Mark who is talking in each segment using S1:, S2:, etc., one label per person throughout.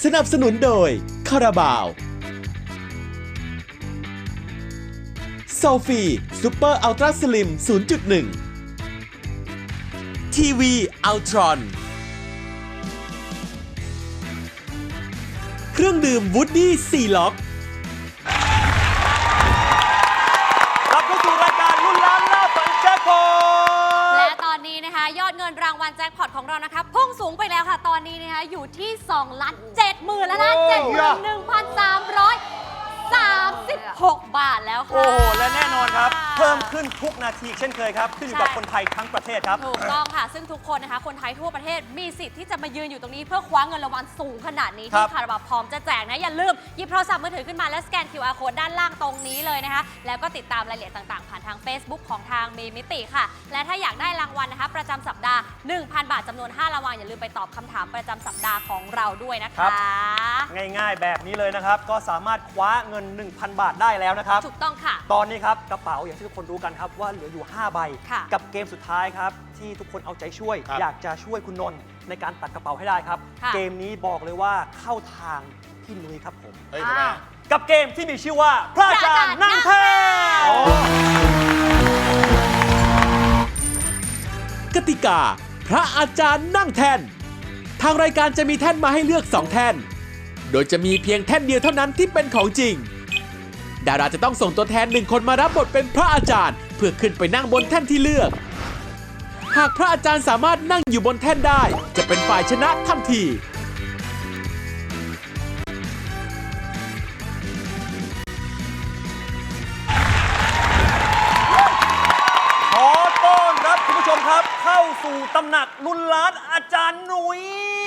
S1: สนับสนุนโดยคาราบาวโซฟีซูเปอร์อัลตร้าสลิม 0.1 ทีวีอัลตรอนเครื่องดื่มวูดดี้4ล็อก
S2: กลับเข้าสู่รายการลุ้นล้านล่าฝันแจ็คพอต
S3: และตอนนี้นะคะยอดเงินรางวัลแจ็คพอตของเรานะคะพุ่งสูงไปแล้วค่ะตอนนี้นะคะอยู่ที่2,70,000แล้วนะ71,336 บาทแล้วค่ะ
S2: โอ้โหและแน่นอนครับเพิ่มขึ้นทุกนาทีเช่นเคยครับขึ้นอยู่กับคนไทยทั้งประเทศครับ
S3: ถูกต้องค่ะซึ่งทุกคนนะคะคนไทยทั่วประเทศมีสิทธิ์ที่จะมายืนอยู่ตรงนี้เพื่อคว้าเงินรางวัลสูงขนาดนี้ที่คาราบาวพร้อมจะแจกนะอย่าลืมหยิบโทรศัพท์มือถือขึ้นมาและสแกน QR Code ด้านล่างตรงนี้เลยนะคะแล้วก็ติดตามรายละเอียดต่างๆผ่านทาง Facebook ของทางมีมิติค่ะและถ้าอยากได้รางวัลนะคะประจำสัปดาห์ 1,000 บาทจำนวน5รางวัลอย่าลืมไปตอบคำถามประจำสัปดาห์ของเราด้วยนะคะ
S2: ง่ายๆแบบนี้เลยนะครับก็สามารถคว้าเงิน 1,000 บาทได้แล้วนะครับ
S3: ถูกต้องค่ะ
S2: ตอนนี้ครับกระเป๋าอย่างที่ทุกคนรู้กันครับว่าเหลืออยู่5ใบกับเกมสุดท้ายครับที่ทุกคนเอาใจช่วยอยากจะช่วยคุณนนท์ในการตัดกระเป๋าให้ได้ครับเกมนี้บอกเลยว่าเข้าทางพี่นุ้ยครับผมกับเกมที่มีชื่อว่าพระอาจารย์นั่งแท่น
S1: กติกาพระอาจารย์นั่งแท่นทางรายการจะมีแท่นมาให้เลือก2แท่นโดยจะมีเพียงแท่นเดียวเท่านั้นที่เป็นของจริงดาราจะต้องส่งตัวแทน1คนมารับบทเป็นพระอาจารย์เพื่อขึ้นไปนั่งบนแท่นที่เลือกหากพระอาจารย์สามารถนั่งอยู่บนแท่นได้จะเป็นฝ่ายชนะทันที
S2: ขอต้อนรับคุณผู้ชมครับเข้าสู่ตำหนักลุ้นล้านอาจารย์หนุ่ย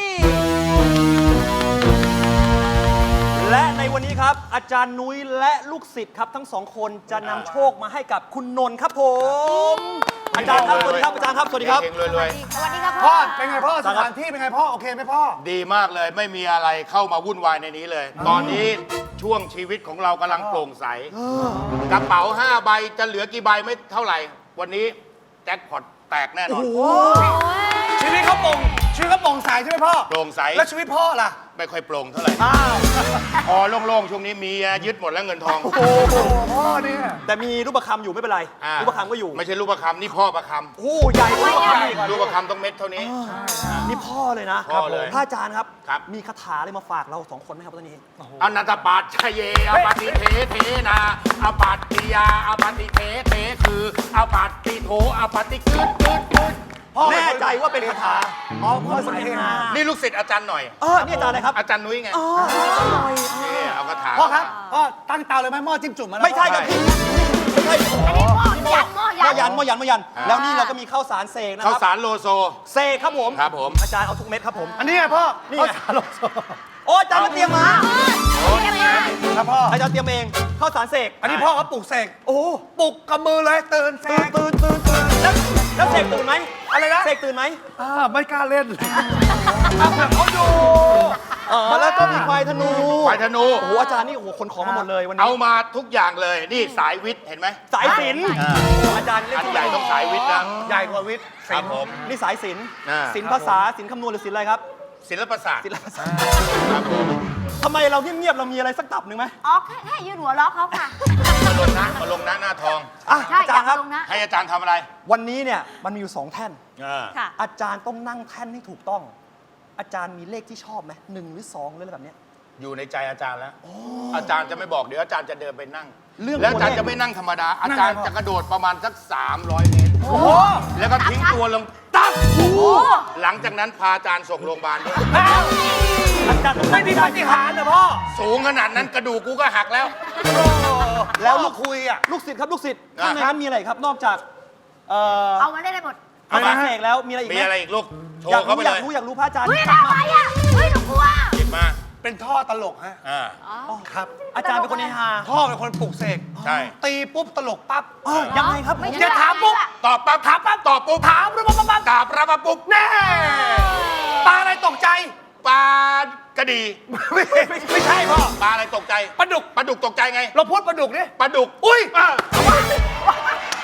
S2: และในวันนี้ครับอาจารย์นุ้ยและลูกศิษย์ครับทั้งสองคนจะนำโชคมาให้กับคุณนนท์ครับผมอาจารย์ครับสวัสดีครับอาจารย์ครับสวัสดีครับ
S4: รวย
S3: สวัสดีครับ
S5: พ่อเป็นไงพ่อสถานที่เป็นไงพ่อโอเคไหมพ่อ
S4: ๆดีมากเลยไม่มีอะไรเข้ามาวุ่นวายในนี้เลย ตอนนี้ช่วงชีวิตของเรากำลังโปร่งใสกระเป๋า5ใบจะเหลือกี่ใบไม่เท่าไหร่ วันนี้แจ็คพอตแตกแน่นอน
S5: ชีวิตเขาโปร่งใสใช่ไหมพ่อ
S4: โปร่งใส
S5: แล้วชีวิตพ่อล่ะ
S4: ไม่ค่อยโปร่งเท่าไหร่พอโล่งๆช่วงนี้มียึดหมดแล้วเงินทอง
S5: โอ้พ่อเนี่ย
S2: แต่มีรูปประคำอยู่ไม่เป็นไรรูปประคำก็อยู่
S4: ไม่ใช่รูปประคำนี่พ่อประคำ
S2: โอ้ใหญ่กว่ารูปประคำอีก
S4: รูปประคำต้องเม็ดเท่านี้
S2: นี่พ่อเลยนะ
S4: พ่อเลย
S2: พระอาจารย์ครับ
S4: ครับ
S2: มีคาถาอะไรมาฝากเราสองคนไหมครับตอนนี้
S4: อนันตปาชเยอปฏิเทเทนาอปัตติยาอปฏิเทเทคืออปัตติโถอปฏิกึด
S2: แน่ใจว่าเป็นคาถา
S5: อ๋อพ่อสายเฮฮา
S4: นี่ลูกศิษย์อาจารย์หน่อย
S2: นี่อาจารย์อะไรครับ
S4: อาจารย์นุ้ยไงนี่เอากระถาง
S5: พ่อครับพ่อตั้งเตาเลยไหมหม้อจิ้มจุ่มมาแล้ว
S2: ไม่ใช่ครับพี่ไม่ใช่
S3: หม้อยัน
S2: หม้อยันแล้วนี่เราก็มีข้าวสารเสกนะค
S4: ข้าว
S2: รับ
S4: สารโลโซ
S2: เสกครับผม
S4: ครับผม
S2: อาจารย์เอาทุกเม็ดครับผม
S5: อันนี้ไงพ่อ
S2: นี่ไงโอ้อาจารย์มาเตรียมมา
S5: ครับพ่อ
S2: อาจารย์เตรียมเองข้าวสารเสก
S5: อันนี้พ่อเขาปลุกเสกโอ้ปลุกกับมือเลยตื่นเสก
S2: ตื่นแล้วเสกตื่นไหม
S5: อะไรนะ
S2: เสกตื่นไหม
S5: ไม่กล้าเล่นเขาดู
S2: แล้วก็มีควายธนู
S4: ควายธนู
S2: โอ้โหอาจารย์นี่โอ้โหขนของมาหมดเลยวันนี้
S4: เอามาทุกอย่างเลย นี่สายวิทย์เห็นไหม
S2: สายศิลป์อาจารย์เล่น
S4: อันใหญ่ต้องสายวิทย์นะ
S5: ใหญ่กว่าวิทย์
S4: ครับผม
S2: นี่สายศิลป์
S4: อ่า
S2: ศิลป์ภาษาศิลป์คำนวณหรือศิลป์อะไรครับ
S4: ศิลปศาสตร์
S2: ศิลปภาษา
S4: ครับผม
S2: ทำไมเราเงียบๆเรามีอะไรสักตับหนึ่งไหม
S3: อ๋อแค่ยืนหัวล้อเขาค่ะ
S4: มาลงนะหน้าทอง
S3: ใช่
S2: อาจารย์ครับ
S3: ลงนะ
S4: ให้อาจารย์ทำอะไร
S2: วันนี้เนี่ยมันมีอยู่2แท่น
S3: ค่ะ
S2: อาจารย์ต้องนั่งแท่นให้ถูกต้อง อาจารย์มีเลขที่ชอบไหม1 หรือ 2หรืออะไรแบบเนี้ย
S4: อยู่ในใจอาจารย์แล้วอาจารย์จะไม่บอกเดี๋ยวอาจารย์จะเดินไปนั่ง
S2: เรื่อง
S4: แล้วอาจารย์
S2: ตัวเลข
S4: จะไม่นั่งธรรมดา อาจารย์จะกระโดดประมาณสัก300 เมตร
S5: โอ้โห
S4: แล้วก็ทิ้งตัวลงตั้งหลังจากนั้นพาอาจารย์ส่งโรงพยาบาลด้วย
S2: อาจารย์ต้อง
S5: ไม่มีปาฏิหาริย์เหรอพ่อ
S4: สูงขนาดนั้นกระดูกกูก็หักแล้ว
S2: แล้ว
S5: ลู
S2: ลู
S5: ก
S2: ก
S5: คุยอ่ะ
S2: ลูกศิษย์ครับลูกศิษย์
S4: อ่ะ
S2: ข้างในนั้นมีอะไรครับนอกจาก
S3: เอามาได้หมด
S2: ข้าวสารเสกแล้วมีอะไรอีก
S4: มี
S2: ไหม
S4: อะไรอีกลูก โช
S2: อยาก
S4: ว์เข้า
S2: รู้
S4: ไป
S2: อยา
S4: เล
S2: ก
S4: ย
S2: รู้อยากรู้พระอาจารย์
S3: เฮ้ยทำไมอ่ะเฮ้ยหนูกลัว
S4: หยิบมา
S5: เป็นท่อตลกฮะ ครับ
S2: อาจารย์เป็นคนเฮฮา
S5: พ่อเป็นคนปลุกเสก
S4: ใช่
S5: ตีปุ๊บตลกปั๊บ
S2: ยังไงครับ
S3: ไม่ใช่
S5: จะถามปุ๊บ
S4: ตอบปั๊บถามปั๊บตอบปุ๊บ
S5: ถามปุ๊บปั๊บปั๊บ
S4: ตอบรับมาปุ๊บ
S5: แน่ปลาอะไรตกใจ
S4: ปลากระดี
S5: ไม่ใช่พ่อ
S4: ปลาอะไรตกใจ
S5: ปลาดุก
S4: ปลาดุกตกใจไง
S5: เราพูดปลาดุกดิ
S4: ปลาดุก
S5: อุ้ย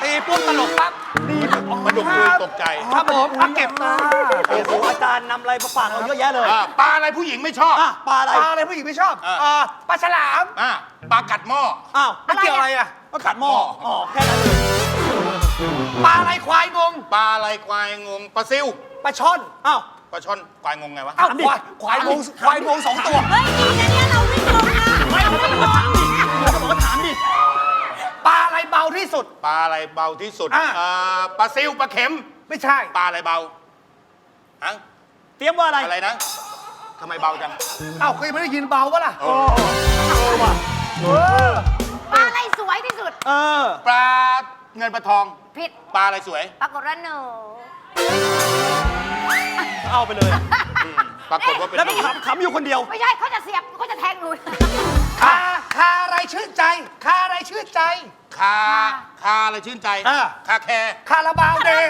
S5: ตีปุ๊บตลกปั๊บดี
S4: มันดุคุยตกใจ
S5: ครับผมอ่ะเก็บมา
S2: โอ้โหอาจารย์นำอะไรมาฝากเราเยอะแยะเลย
S4: ปลาอะไรผู้หญิงไม่ชอบ
S2: อ่ะปลาอะไร
S5: ปลาอะไรผู้หญิงไม่ชอบปลาฉลาม
S4: ปลากัดหม้อ
S2: อ้าว
S5: มันเกี่ยวอะไรอ่ะ
S2: ก็ขัดหม้ออ๋อแค่นั้นเลย
S5: ปลาอะไรควายงง
S4: ปลาอะไรควายงงปลาซิว
S5: ปลาช่อน
S2: อ้าว
S4: ปลาช่อนควายงงไงวะ
S5: อ้าวควายงง2 ตัว
S3: เฮ้ยดีนะเนี่ยเราวิ่งลงมา
S2: ไม่เขาต้องมาถามดิเขาบอกว่าถามดิ
S5: ปลาอะไรเบาที่สุด
S4: ปลาอะไรเบาที่สุด
S5: อ่ะ
S4: ปลาซิวปลาเข็ม
S5: ไม่ใช่
S4: ปลาอะไรเบาฮะ
S2: เตรียมว่าอะไร
S4: อะไรนะทำไมเบาจัง
S5: อ้าวเคยไม่ได้ยินเบาปะล่ะ
S6: ปลาอะไรสวยที่สุด
S2: เออ
S4: ปลาเงินปลาทอง
S6: ผิด
S4: ปลาอะไรสวย
S6: ปรากฏว่าหนู
S2: เอาไปเลย
S4: ปรากฏว่าเป็น
S2: แล้ว
S4: ห
S2: ก็
S4: นู
S2: ขำอยู่คนเดียว
S6: ไม่ใช่เขาจะเสียบเขาจะแทงหนู
S5: คาอะไรชื่นใจ คาอะไรชื่นใจ
S4: คาอะไรชื่นใจ
S5: อ่ะ
S4: คาแคร์
S5: คาราบาวแดง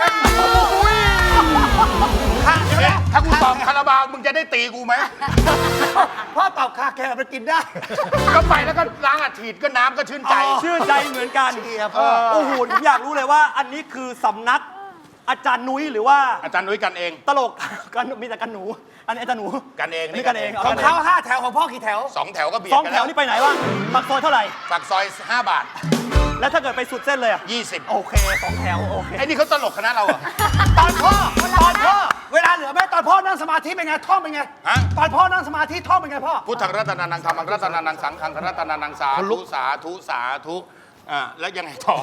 S5: คาใช่ไหม
S4: ถ้ากูตอบคาราบาวมึงจะได้ตีกูไหม
S5: พ่อตอบคาแคร์มันกินได้
S4: ก็ไปแล้วก็ล้างอัดฉีดก็น้ำก็ชื่นใจ
S2: ชื่นใจเหมือนกัน
S5: เชียร์พ่อ
S2: โอ้โหผมอยากรู้เลยว่า อันนี้คือสำนักอาจารย์นุ้ยหรือว่า
S4: อาจารย์นุ้ยกันเอง
S2: ตลก กันมีแต่กันหนู อันนี้อาจารย์หนู
S4: กันเอง
S2: นี่กันเอง
S5: ของเขา5 แถวของพ่อกี่แถว
S4: 2 แถวก็เบียด
S2: สอง
S4: กัน
S2: แถวนี่ไปไหนวะปากซอยเท่าไหร่
S4: ปากซอย5 บาท
S2: แล้วถ้าเกิดไปสุดเส้นเลยอะ
S4: 20
S2: โอเคสองแถวโอเค
S4: ไอ้นี่เขาตลกคณะเราเหรอ
S5: ตอนพ่อ เวลาเหลือไหมตอนพ่อนั่งสมาธิเป็นไง ท่องเป็นไง
S4: ฮะ
S5: ตอนพ่อนั่งสมาธิท่องเป็นไงพ่อ
S4: พุทธังรัตนานังธรรมังรัตนานังสังฆังรัตนานังสาธุสาธุสาธุแล้วยังไงต่อ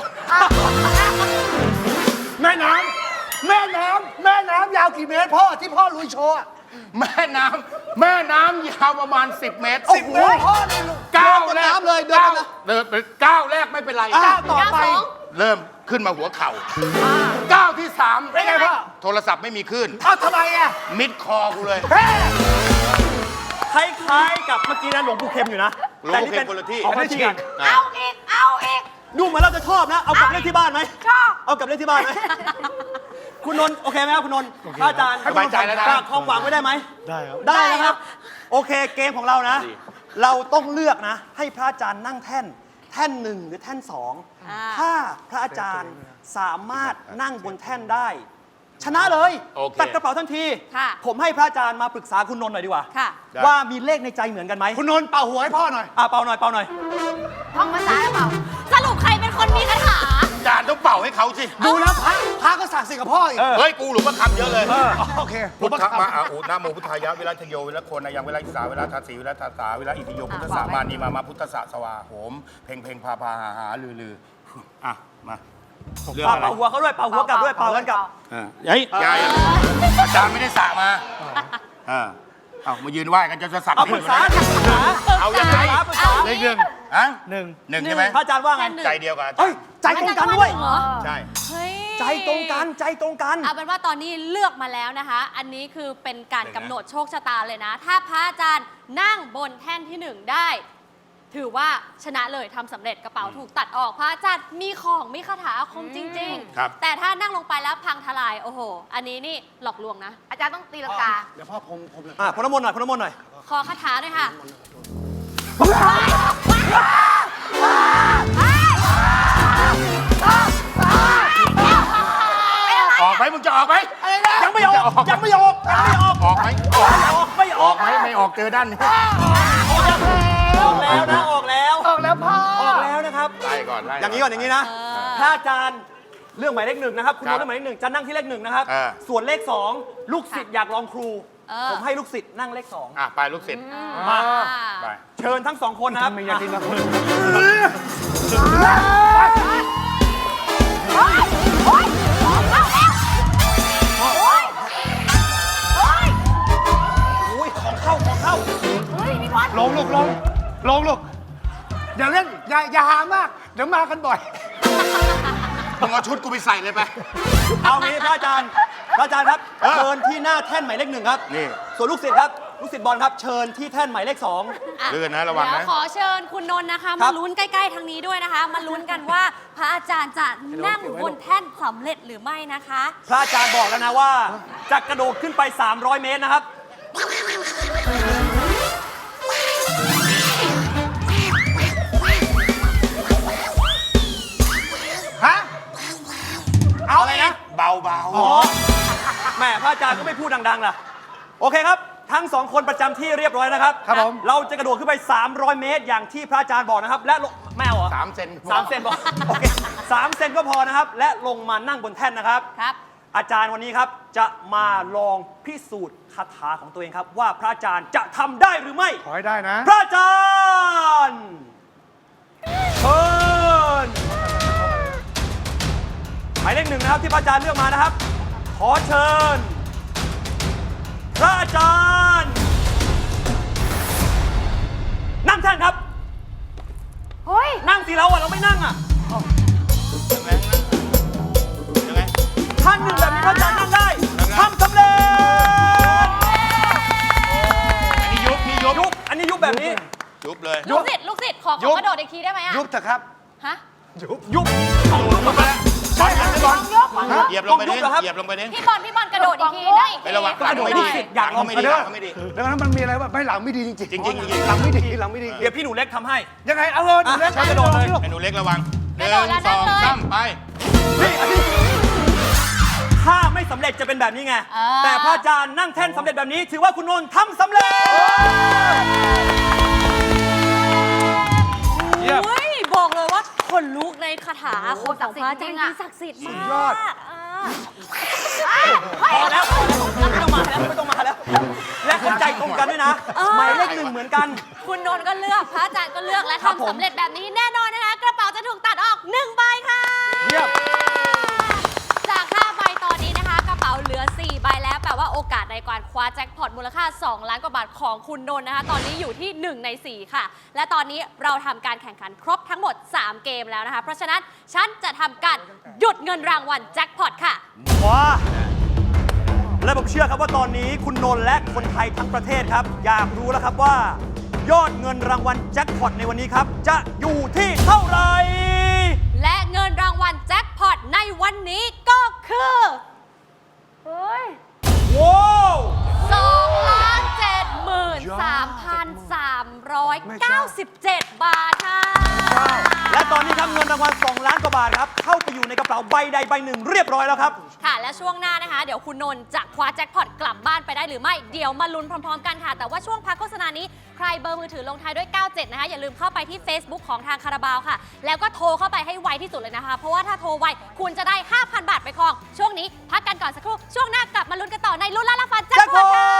S5: แม่น้ำยาวกี่เมตรพ่อที่พ่อลุยโชว์อะ
S4: แม่น้ำยาวประมาณ 10 เมตร
S5: 10 เมตรพ่อเลยลูก
S4: ก้าวแรก
S5: น้ำเลยเดินนะ
S4: เดินไปก้าวแรกไม่เป็นไร
S5: ก้าวต่อไป
S4: เริ่มขึ้นมาหัวเข่าก้าวที่
S5: เป็นไงพ่อ
S4: 3 โทรศัพท์ไม่มีคลื่น
S5: เอ้าทำไมอ่ะ
S4: มิดคอกูเลย
S5: เฮ้
S2: คล้ายๆกับเมื่อกี้นะหลวงปู่เข็มอยู่นะ
S4: หลวงปู่เข็มคนละที่
S2: เอาคนละที่กัน
S6: เอาอีก
S2: ดูเหมือนเราจะชอบนะ เอากลับเล่นที่บ้านไหม
S6: ชอบ
S2: เอากลับเล่นที่บ้านไหม คุณนนท์โอเคไหมครับคุณนนท์พระอาจารย์
S4: สบายใจแล้วนะ
S2: ฝากความหวังไว้ได้ไหม ได้ครับ ได้นะครับ โอเคเกมของเรานะ เราต้องเลือกนะ ให้พระอาจารย์นั่งแท่น แท่นหนึ่งหรือแท่นสอง ถ้าพระอาจารย์สามารถนั่งบนแท่นได้ ชนะเลย
S4: โอเค
S2: ตัดกระเป๋าทันที
S3: ค่ะ
S2: ผมให้พระอาจารย์มาปรึกษาคุณนนท์หน่อยดีกว่า
S3: ค่ะ
S2: ว่ามีเลขในใจเหมือนกันไหม
S5: คุณนนท์เป่าหัวให้พ่อหน่อย
S2: เป่าหน่อยเป่าหน่อย
S6: ท่องภาษาหรือเปล่า
S3: สรุปใครเป็นคนมีคาถา
S4: อาจารย์ต้องเป่าให้เขาสิ
S5: ดูแล้วพระก็ศักดิ์สิทธิ์กับพ่ออีก
S4: เฮ้ย กูหลวงพ่อคำเยอะเลย
S5: โอเค
S4: พุทธมาอุนะโมพุทธายะวิรัชโยวิรัชโคนายังวิรัชสาวิรัชทาสีวิรัชทาสาวิรัชอิติโยพุทธสามานีมาพุทธสสวาโหมเพ่งเพ่งพาพาหาลืออ่ะมาเรื่องอะไร
S2: เป่าหัวเขาด้วย เป่าหัวกลับด้วย เป่ากันกลับ
S4: เฮ้ยยายอาจารย์ไม่ได้สระมาเอามายืนไหว้กันจะสัก
S2: เอาปรึกษา
S4: เอายังไง
S2: ปรึกษา
S4: เลขหนึ่งฮะหนึ่งใช่ไหม
S2: พระอาจารย์ว่าไง
S4: ใจเดียวกัน
S2: เฮ้ย ใจตรงกันด้วย
S3: เหรอ
S4: ใช่
S3: เฮ้ย
S2: ใจตรงกัน ใจตรงกัน
S3: เอาเป็นว่าตอนนี้เลือกมาแล้วนะคะ อันนี้คือเป็นการกำหนดโชคชะตาเลยนะ ถ้าพระอาจารย์นั่งบนแท่นที่ 1 ได้ ถือว่าชนะเลยทำสำเร็จกระเป๋าถูกตัดออกพระอาจารย์มีของมีคาถาอาคมจริง
S4: ครับ
S3: ๆ แต่ถ้านั่งลงไปแล้วพังทลายโอ้โห อันนี้นี่หลอกลวงนะ
S6: อาจารย์ต้องตีลังกา
S5: เดี๋ยวพ่อผมเลย
S2: พรน้ำมนต์หน่อยพรน้ำมนต์หน่อย
S3: ขอคาถาหน่อยค่ะ
S4: ออกไหมมึงจะออกไหม
S2: ยังไม่ออก ยังไม่ออก ยังไม่ออก
S4: ออกไหม
S2: ไม่อ
S4: อ
S2: อ
S4: อก กไหมไม่ออกเจอด้านนี้
S2: ออกแล้วนะ ออกแล้ว
S5: ออกแล้วพ่อ
S2: ออกแล้วนะครับ
S4: ไล่ก่อนไล่
S2: อย่างนี้ก่อนอย่างนี้นะ ถ้าอาจารย์เรื่องหมายเลข 1นะครับ คุณ
S4: ครั
S2: รู้
S4: บ
S2: เรื่องหมายเลข 1จะนั่งที่เลข 1นะครับ ส่วนเลข 2 ลูกศิษย์อยากลองครู ผมให้ลูกศิษย์นั่งเลข
S4: ไปลูกศิษย์
S2: 2 มา
S4: ไป
S2: เชิญทั้ง 2 คนนะครับ อุ้ยของเข้าของเข้า
S5: ลงลูกอย่าเล่นอย่าหามาก เดี๋ยวมากันบ่อย
S4: มึงเอาชุดกูไปใส่เลยไป
S2: เอางี้พระอาจารย์ครับ เชิญที่หน้าแท่นหมายเลข 1ครับ
S4: นี่
S2: ส่วนลูกศิษย์ครับ ลูกศิษย์บอลครับ เชิญที่แท่นหมายเลข 2
S4: เลื่อนนะระวังนะ
S3: เดี๋ยวขอเชิญคุณนนท์นะคะ
S2: ครั
S3: มา
S2: บ
S3: ลุ้นใกล้ๆทางนี้ด้วยนะคะ มาลุ้นกันว่าพระอาจารย์จะนั่งบนแท่นสำเร็จหรือไม่นะคะ
S2: พระอาจารย์บอกแล้วนะว่า จะกระโดดขึ้นไป 300 เมตรนะครับ
S5: ฮะ
S4: เบา
S2: อ๋อแหม่พระอาจารย์ก็ไม่พูดดังๆล่ะ โอเคครับ ทั้งสองคนประจำที่เรียบร้อยนะครับ
S5: ครับผม
S2: เราจะกระโดดขึ้นไป 300 เมตร อย่างที่พระอาจารย์บอกนะครับ และลงแมวเหรอ
S4: 3 เซน
S2: 3 เซนบอกโอเค3 เซนก็พอนะครับ และลงมานั่งบนแท่นนะครับ
S3: ครับ
S2: อาจารย์วันนี้ครับจะมาลองพิสูจน์คาถาของตัวเองครับ ว่าพระอาจารย์จะทำได้หรือไม่
S5: ขอให้ได้นะ
S2: พระอาจารย์เชิญหมายเลข1นะครับที่พระอาจารย์เลือกมานะครับ ขอเชิญ พระอาจารย์นั่งแท่นครับ
S6: เฮ้ย
S2: นั่งสิเราอะเราไม่นั่งอะ
S4: ยังไงยังไง
S2: ท่านหนึ่งแบบนี้พระอาจารย์นั่งได้ทำสำเร็จ
S4: อันนี้ยุบพี่ยุบ
S2: ยุบอันนี้ยุบแบบนี้
S4: ยุบเลย
S3: ลูกศิษย์ขอกระโดดอีกทีได้ไหมอะ
S5: ยุบเถอะครับ
S3: ฮะ
S2: ยุบ
S4: ยุบไปแล้วบอลบอล
S6: ยกของยก
S4: เหยียบลงไปดิ
S2: ต้องยุบเหรอครับ
S4: เหยียบลงไปดิ
S3: พี่บอลกระโดดอีกทีได้อีก
S4: ไป
S3: ที
S4: ระวังหลังไม่ดี
S2: อยากลอง
S4: ไม่ดีหลังไม่ดี
S5: แล้วนั้นมันมีอะไรแบบไม่หลังไม่ดีจริงๆ
S4: จริงๆ
S5: หลังไม่ดีหลังไม่ดี
S2: เดี๋ยวพี่หนูเล็กทำให้
S5: ยังไงเอาเลยหนูเล็ก
S2: กระโดดเลย
S4: ไอ้หนูเล็กระวัง
S3: กระโดดแล้วนั่งเลย
S4: 1 2 3ไป
S2: ถ้าไม่สำเร็จจะเป็นแบบนี้ไง
S3: อ่า
S2: แต่พระอาจารย์นั่งแท่นสำเร็จแบบนี้ ถือว่าคุณนนท์ทำสำเร็จ
S5: เยี่ยม
S3: เฮ้ยบอกเลยว่าคนลุกในคาถาอาคมของพระอาจารย์ที่ศักดิ์สิทธิ์มาก
S5: ยอด
S2: พอแล้วไม่ต้องมาแล้วไม่ต้องมาแล้ว และเข้าใจตรงกันด้วยนะ หมายเลข1เหมือนกัน
S3: คุณนนท์ก็เลือกพระอาจารย์ก็เลือกและ
S2: ครับผม
S3: ทำสำเร็จแบบนี้แน่นอนนะคะ กระเป๋าจะถูกตัดออก1ใบค่ะ
S5: เยี่ยม
S3: จาก5ใบตอนนี้นะคะ กระเป๋าเหลือ4ใบแล้วแปลว่าโอกาสในการคว้าแจ็คพอตมูลค่า2ล้านกว่าบาทของคุณนนท์นะคะ ตอนนี้อยู่ที่1ใน4ค่ะ และตอนนี้เราทำการแข่งขันครบทั้งหมด3เกมแล้วนะคะ เพราะฉะนั้นฉันจะทำการหยุดเงินรางวัลแจ็คพอตค่ะ
S2: ว้าและผมเชื่อครับว่าตอนนี้คุณนนท์และคนไทยทั้งประเทศครับ อยากรู้แล้วครับว่า ยอดเงินรางวัลแจ็คพอตในวันนี้ครับ จะอยู่ที่เท่าไหร่
S3: และเงินรางวัลแจ็คพอตในวันนี้ก็คือ
S6: เฮ้ย
S2: ว้าว
S3: 2,73,397 บาทค่ะ
S2: และตอนนี้ครับเงินรางวัล2ล้านกว่าบาทครับเข้าไปอยู่ในกระเป๋าใบใดใบหนึ่งเรียบร้อยแล้วครับ
S3: ค่ะ และช่วงหน้านะคะ เดี๋ยวคุณนนท์จะคว้าแจ็คพอตกลับบ้านไปได้หรือไม่ เดี๋ยวมาลุ้นพร้อมๆกันค่ะ แต่ว่าช่วงพักโฆษณานี้ใครเบอร์มือถือลงท้ายด้วย 97 นะคะ อย่าลืมเข้าไปที่ Facebook ของทางคาราบาวค่ะ แล้วก็โทรเข้าไปให้ไวที่สุดเลยนะคะ เพราะว่าถ้าโทรไวคุณจะได้ 5,000 บาทไปครอง ช่วงนี้พักกันก่อนสักครู่ ช่วงหน้ากลับมาลุ้นกันต่อในลุ้นล้านละฟันแจ็คพอตค่ะ